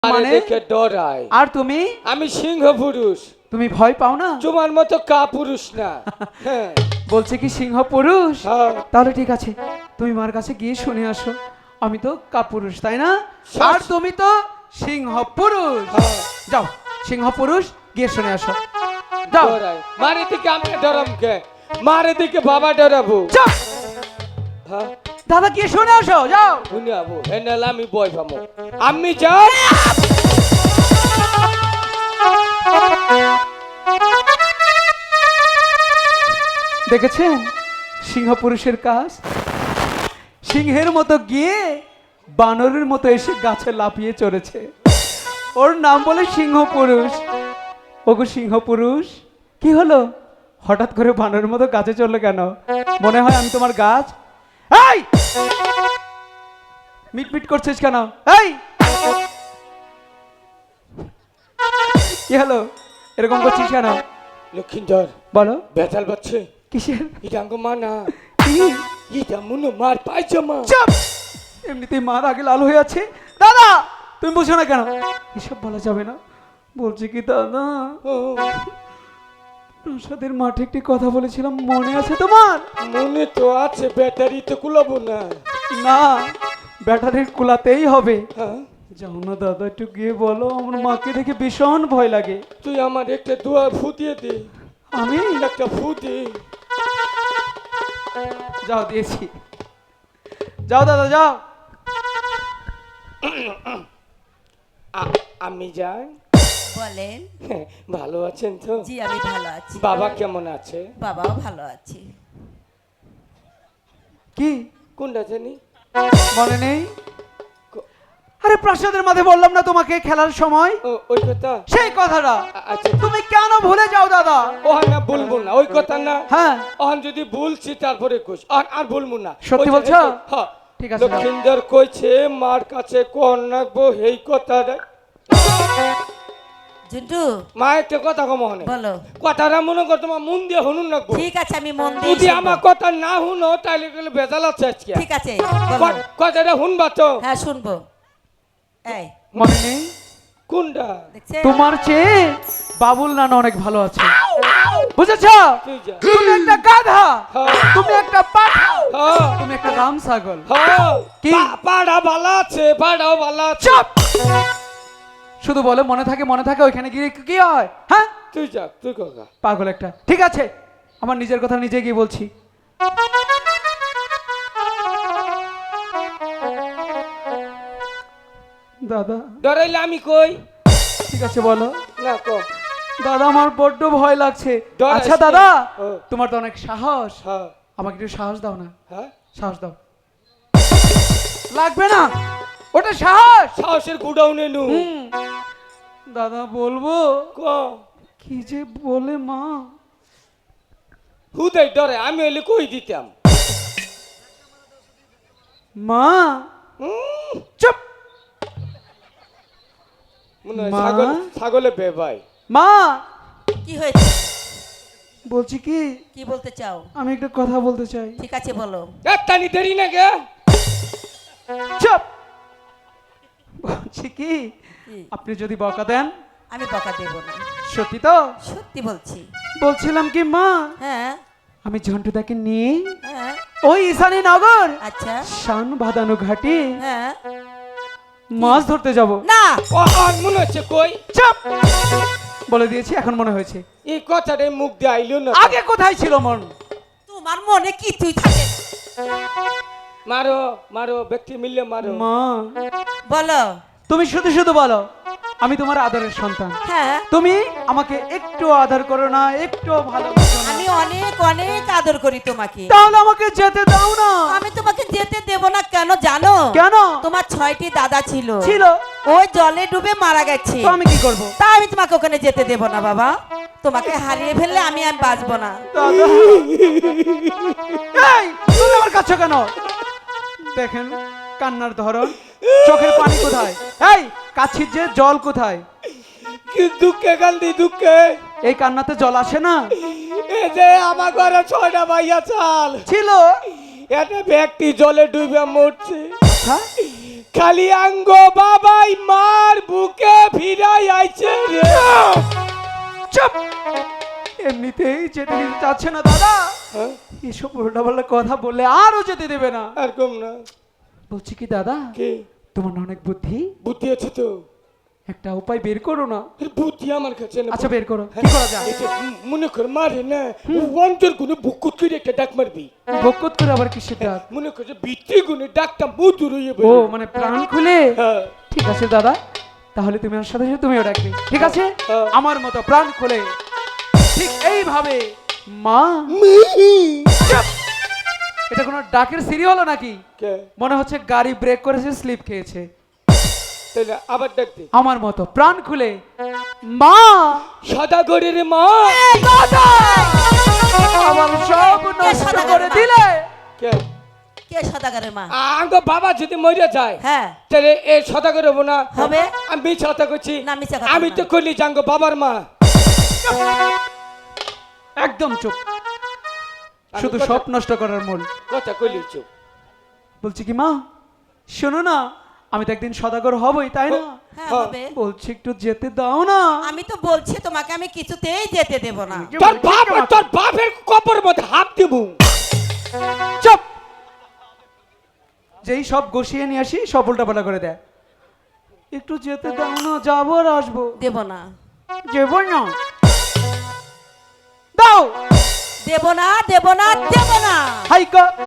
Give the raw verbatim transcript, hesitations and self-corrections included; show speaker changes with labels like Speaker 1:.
Speaker 1: মানে দেখে ডরাই।
Speaker 2: আর তুমি?
Speaker 1: আমি সিংহ পুরুষ।
Speaker 2: তুমি ভয় পাও না?
Speaker 1: তোমার মতো কা পুরুষ না। হ্যাঁ
Speaker 2: বলছে কি সিংহ পুরুষ?
Speaker 1: হ্যাঁ।
Speaker 2: তাহলে ঠিক আছে, তুমি মার কাছে গিয়ে শুনে আসো। আমি তো কাপুরুষ, তাই না? আর তুমি তো সিংহ পুরুষ।
Speaker 1: হ্যাঁ।
Speaker 2: যাও, সিংহ পুরুষ গিয়ে শুনে আসো। যাও।
Speaker 1: ডরাই। মারে দিকে আমি ডরাম কে? মারে দিকে বাবা ডরাবো।
Speaker 2: যাও।
Speaker 1: হ্যাঁ
Speaker 2: দাদা গিয়ে শুনে আসো, যাও।
Speaker 1: শুনে আবো এনাল আমি বই পামো। আমি যাই।
Speaker 2: দেখেছেন সিংহ পুরুষের কাজ? সিংহের মতো গিয়ে বানরের মতো এসে গাছে লাফিয়ে চড়েছে। ওর নাম বলে সিংহ পুরুষ। ওগো সিংহ পুরুষ, কি হলো? হঠাৎ করে বানরের মতো গাছে চললো কেন? মনে হয় আমি তোমার গাছ? এই মিটমিট করছিস কেন? এই কি হলো, এরকম করছিস কেন?
Speaker 1: লক্ষিন্দর
Speaker 2: বলো।
Speaker 1: বেতাল বাচ্চে
Speaker 2: কিসের?
Speaker 1: ইটাঙ্গ মানা
Speaker 2: কি?
Speaker 1: ইটা মুনো মার পাইজামা।
Speaker 2: চুপ! এমনিতেই মার আগে লাল হয়ে আছে। দাদা তুমি বুঝো না কেন? এসব বলা যাবে না। বলছি কি দাদা,
Speaker 1: ও,
Speaker 2: প্রসাদের মাঠে একটি কথা বলেছিলাম, মনে আছে তোমার?
Speaker 1: মনে তো আছে, ব্যাটারি তো কুলাবো না।
Speaker 2: না, ব্যাটারির কুলাতেই হবে।
Speaker 1: হ্যাঁ
Speaker 2: যাও না দাদা, একটু গিয়ে বলো, আমার মাকে দেখে ভীষণ ভয় লাগে।
Speaker 1: তুই আমার একটা দোয়া ফুটিয়ে দে।
Speaker 2: আমি
Speaker 1: একটা ফু দে।
Speaker 2: যাও, দিয়েছি। যাও দাদা যাও।
Speaker 1: আ- আমি যাই।
Speaker 3: বলেন।
Speaker 1: হ্যাঁ, ভালো আছেন তো?
Speaker 3: জি আমি ভালো আছি।
Speaker 1: বাবা কেমন আছে?
Speaker 3: বাবাও ভালো আছে।
Speaker 2: কি
Speaker 1: কোনটা জানি?
Speaker 2: মনে নেই? আরে প্রাসাদের মাঝে বললাম না তোমাকে খেলার সময়,
Speaker 1: ও ওই কথা।
Speaker 2: সেই কথাটা
Speaker 1: আ- আচ্ছা
Speaker 2: তুমি কেন ভুলে যাও দাদা?
Speaker 1: ওহান না বলবো না, ওই কথা না।
Speaker 2: হ্যাঁ
Speaker 1: ওহান যদি বলছি তারপরে কোষ আর আর বলবো না।
Speaker 2: সত্যি
Speaker 1: ওই যে-
Speaker 2: বলছো?
Speaker 1: হ্যাঁ
Speaker 2: ঠিক আছে,
Speaker 1: লক্ষিন্দর কইছে মার কাছে কোন রাখবো এই কথাটা।
Speaker 3: ঝুন্টু
Speaker 1: মা একটা কথা কম হনে
Speaker 3: বলো।
Speaker 1: কথাটা মনে কর তোমার মন দিয়ে শুনুন রাখবো।
Speaker 3: ঠিক আছে আমি মন দিয়ে
Speaker 1: যদি
Speaker 3: শুনবো।
Speaker 1: আমার কথা না শুনো তাহলে গেলে বেজাল আছে আজকে।
Speaker 3: ঠিক আছে বলো।
Speaker 1: ক- কথাটা শুনবা তো?
Speaker 3: হ্যাঁ শুনবো। এই
Speaker 2: মনে নেই?
Speaker 1: কোনটা?
Speaker 3: দেখছে
Speaker 2: তোমার চেয়ে বাবুল নানা অনেক ভালো আছে, বুঝেছ?
Speaker 1: তুই যা।
Speaker 2: তুমি একটা গাধা,
Speaker 1: হ্যাঁ।
Speaker 2: তুমি একটা পাঠা,
Speaker 1: হ্যাঁ
Speaker 2: তুমি একটা রাম ছাগল।
Speaker 1: হ্যাঁ
Speaker 2: কি?
Speaker 1: পা- পাড়া ভালো আছে, পাড়াও ভালো আছে।
Speaker 2: চুপ! শুধু বলে মনে থাকে মনে থাকে, ওইখানে গিয়ে কি হয়? হ্যাঁ
Speaker 1: তুই যা, তুই কাকা।
Speaker 2: পাগল একটা। ঠিক আছে, আমার নিজের কথা নিজে গিয়ে বলছি। দাদা
Speaker 1: ডরাইলে আমি কই?
Speaker 2: ঠিক আছে বলো।
Speaker 1: না ক।
Speaker 2: দাদা আমার বড্ড ভয় লাগছে।
Speaker 1: ডরাইস
Speaker 2: আচ্ছা
Speaker 1: না।
Speaker 2: দাদা,
Speaker 1: ও।
Speaker 2: তোমার তো অনেক সাহস,
Speaker 1: হ্যাঁ
Speaker 2: আমাকে একটু সাহস দাও না।
Speaker 1: হ্যাঁ
Speaker 2: সাহস দাও। লাগবে না, ওটা সাহস।
Speaker 1: সাহসের গুডাউনে নু।
Speaker 2: হুম। দাদা বলবো
Speaker 1: ক।
Speaker 2: কি যে বলে মা।
Speaker 1: হুদাই ডরে, আমি হইলে কই দিতাম।
Speaker 2: মা
Speaker 1: হুম,
Speaker 2: চুপ।
Speaker 1: মনে হয়
Speaker 2: মা?
Speaker 1: ছাগল ছাগলে বেবাই।
Speaker 2: মা
Speaker 3: কি হয়েছে?
Speaker 2: বলছি কি,
Speaker 3: কি বলতে চাও?
Speaker 2: আমি একটা কথা বলতে চাই।
Speaker 3: ঠিক আছে বলো।
Speaker 1: একটানি দেরি না গে।
Speaker 2: চুপ। বলছি কি,
Speaker 3: কি?
Speaker 2: আপনি যদি বকা দেন।
Speaker 3: আমি বকা দেব না,
Speaker 2: সত্যি তো?
Speaker 3: সত্যি বলছি।
Speaker 2: বলছিলাম কি মা,
Speaker 3: হ্যাঁ
Speaker 2: আমি ঝন্টুদাকে নিয়ে
Speaker 3: হ্যাঁ
Speaker 2: ওই ঈশানী নগর
Speaker 3: আচ্ছা
Speaker 2: শান বাঁধানো ঘাটে
Speaker 3: হ্যাঁ।
Speaker 2: মাছ ধরতে যাব।
Speaker 3: না
Speaker 1: ও আর মনে হচ্ছে কই।
Speaker 2: চুপ! বলে দিয়েছি, এখন মনে হয়েছে।
Speaker 1: এই কথাটাই মুখ দিয়ে আইলো না।
Speaker 2: আগে কোথায় ছিল মন?
Speaker 3: তোমার মনে কিছুই থাকে না।
Speaker 1: মারো মারো, ব্যক্তি মিললে মারো।
Speaker 2: মা
Speaker 3: বলো।
Speaker 2: তুমি শুধু শুধু বলো আমি তোমার আদরের সন্তান,
Speaker 3: হ্যাঁ
Speaker 2: তুমি আমাকে একটু আদর করো না, একটু ভালোবাসো না,
Speaker 3: আমি অনেক অনেক আদর করি তোমাকে।
Speaker 2: তাহলে আমাকে যেতে দাও না।
Speaker 3: আমি তোমাকে যেতে দেব না কেন জানো?
Speaker 2: কেন?
Speaker 3: তোমার ছয়টি দাদা ছিল,
Speaker 2: ছিল
Speaker 3: ওই জলে ডুবে মারা গেছে।
Speaker 2: তো আমি কি করব?
Speaker 3: তা আমি তোমাকে ওখানে যেতে দেব না বাবা। তোমাকে হারিয়ে ফেললে আমি আমি বাঁচবো না।
Speaker 2: দাদা এই তুমি আমার কাছে কেন? দেখেন কান্নার ধরন, চোখের পানি কোথায়? এই কাছির যে জল কোথায়?
Speaker 1: কি দুঃখে কান্দি দুঃখে।
Speaker 2: এই কান্নাতে জল আসে না?
Speaker 1: এই যে আমার ঘরে ছয়টা ভাইয়া চাল
Speaker 2: ছিল
Speaker 1: এটা ব্যক্তি জলে ডুবে মরছে।
Speaker 2: আচ্ছা
Speaker 1: খালি আঙ্গ বাবাই মার বুকে ভিড়াই আইছে রে।
Speaker 2: চুপ! এমনিতেই যেতে দিতে চাচ্ছে না দাদা,
Speaker 1: হ্যাঁ?
Speaker 2: এসব উল্টাপাল্টা কথা বললে আরো যেতে দেবে না।
Speaker 1: আর কম না।
Speaker 2: বলছি কি দাদা,
Speaker 1: কে
Speaker 2: তোমার না অনেক বুদ্ধি,
Speaker 1: বুদ্ধি আছে তো?
Speaker 2: একটা উপায় বের করো না।
Speaker 1: এর বুদ্ধি আমার কাছে না।
Speaker 2: আচ্ছা বের করো,
Speaker 1: হ্যাঁ,
Speaker 2: কি করা যায়?
Speaker 1: এটা ম- মনে কর মারে না, অন্তর গুনে বুকুত করে একটা ডাক মারবি।
Speaker 2: বকত করে আবার কিসের ডাক?
Speaker 1: মনে কর যে ভিতরি গুনে ডাকটা মধুর হয়ে
Speaker 2: ও
Speaker 1: বেরোয়।
Speaker 2: মানে প্রাণ খুলে।
Speaker 1: হ্যাঁ।
Speaker 2: ঠিক আছে দাদা, তাহলে তুমি আমার সাথে সাথে তুমিও ডাকবে, ঠিক আছে?
Speaker 1: হ্যাঁ।
Speaker 2: আমার মতো প্রাণ খুলে ঠিক এইভাবে মা। চুপ! এটা কোনো ডাকের সিরি হলো নাকি?
Speaker 1: কে?
Speaker 2: মনে হচ্ছে গাড়ি ব্রেক করেছে, স্লিপ খেয়েছে।
Speaker 1: তাহলে আবার ডাক দে।
Speaker 2: আমার মতো প্রাণ খুলে মা।
Speaker 1: সদাগরের মা।
Speaker 2: দাদা! আমার সব নষ্ট
Speaker 3: সদাগরের
Speaker 2: করে
Speaker 3: মা?
Speaker 2: দিলে।
Speaker 1: কে?
Speaker 3: কে সদাগরের মা?
Speaker 1: আঙ্গ বাবা যদি মরে যায়,
Speaker 3: হ্যাঁ
Speaker 1: তাহলে এ সদাগর হবো না?
Speaker 3: হবে।
Speaker 1: আমি মিথ্যা কথা করছি?
Speaker 3: না, মিথ্যা কথা
Speaker 1: আমি
Speaker 3: না।
Speaker 1: তো করলি জাঙ্গ বাবার মা।
Speaker 2: একদম চুপ,
Speaker 1: আমি
Speaker 2: শুধু
Speaker 1: কথা-
Speaker 2: সব নষ্ট করার মূল।
Speaker 1: কথা কইলি চুপ।
Speaker 2: বলছি কি মা, শোনো না, আমি তো একদিন সদাগর হবই, তাই না?
Speaker 3: হ্যাঁ
Speaker 1: হ্যাঁ।
Speaker 3: হবে।
Speaker 2: বলছি একটু যেতে দাও না।
Speaker 3: আমি তো বলছি তোমাকে আমি কিছুতেই যেতে দেব না।
Speaker 1: তোর বাপ তোর বাপের কবর মধ্যে হাত দিব।
Speaker 2: চুপ! যেই সব গসিয়ে নিয়ে আসি সব উল্টাপাল্টা করে দেয়। একটু যেতে দাও না, যাবো আর আসবো।
Speaker 3: দেব না,
Speaker 2: যাবো না, দাও।
Speaker 3: দেব না, দেব না, দেব না।
Speaker 2: হাইকা